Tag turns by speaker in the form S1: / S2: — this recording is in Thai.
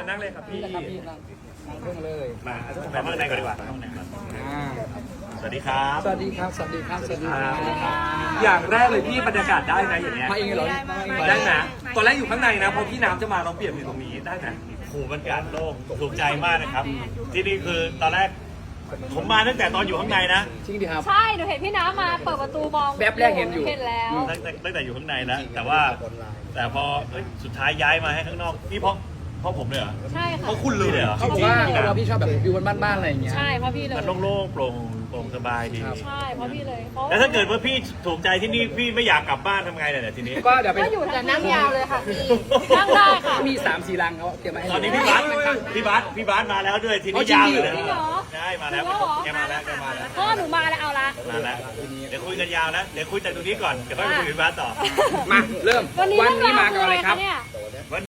S1: นั่งเลยครับพี่
S2: นั่งเครื่องเลย
S1: มาไปห้องไหนก่อนดีกว่าห้องไหนก่อนสวัสดีครับ
S2: สวัสดีครับสวัสดีครับสวัสดีครับ
S1: อย่างแรกเลยพี่บรรยากาศได้ไหมอย่างเงี้ย
S2: มาเองเหรอ
S1: ได้นะตอนแรกอยู่ข้างในนะพอพี่น้ำจะมาเราเปลี่ยนอยู่ตรงนี้ได้นะ
S3: โอ้โหบรรยากาศโล่งถูกใจมากนะครับ ที่นี่คือตอนแรกผมมาตั้งแต่ตอนอยู่ข้างในนะ
S2: จริงดิครับ
S4: ใช่หนูเห็นพี่น้ำมาเปิดประตูมอง
S2: แวบแรกเห็นอยู่
S4: เห็นแล้ว
S3: ตั้งแต่อยู่ข้างในนะแต่พอสุดท้ายย้ายมาให้ข้างนอกนี่เพราะผมเลยเหรอ
S4: ใช่ค่ะ
S3: เพราะคุณเลยเหรอ
S2: เขาบอกว่าเราพี่ชอบแบบวิวบ้านๆอะไรอย่างเงี้ย
S4: ใช่เพราะพี่เลย
S3: มันโล่งๆโปร่งสบายดี
S4: ใช่เพราะพี่เลยเพราะ
S3: แล้วถ้าเกิดว่าพี่ถูกใจที่นี่พี่ไม่อยากกลับบ้านทำไงเนี่ยทีนี้
S2: ก็เดี๋ยวไป
S4: ก็อยู่แต่นั่งยาวเลยค่ะพี่นั่งได้ค่ะ
S2: มี3-4 ลังเขาเตรียมมาให้
S3: ตอนนี้พี่บาสมาแล้วด้วยทีนี้ยาวเลยนะใช่มาแล้วแกมาแล้ว
S4: พ่อหนูมาแล้วเอาละ
S3: มาแล้วเดี๋ยวคุยกันยาวนะเดี๋ยวคุยแต่ตรงนี้ก่อนเดี๋ยวค่อยไปคุยกับพี่บาสต่อ
S2: มาเริ่ม
S4: วันนี้
S2: วันนี้มากับอะไรครับ
S4: เนี่ย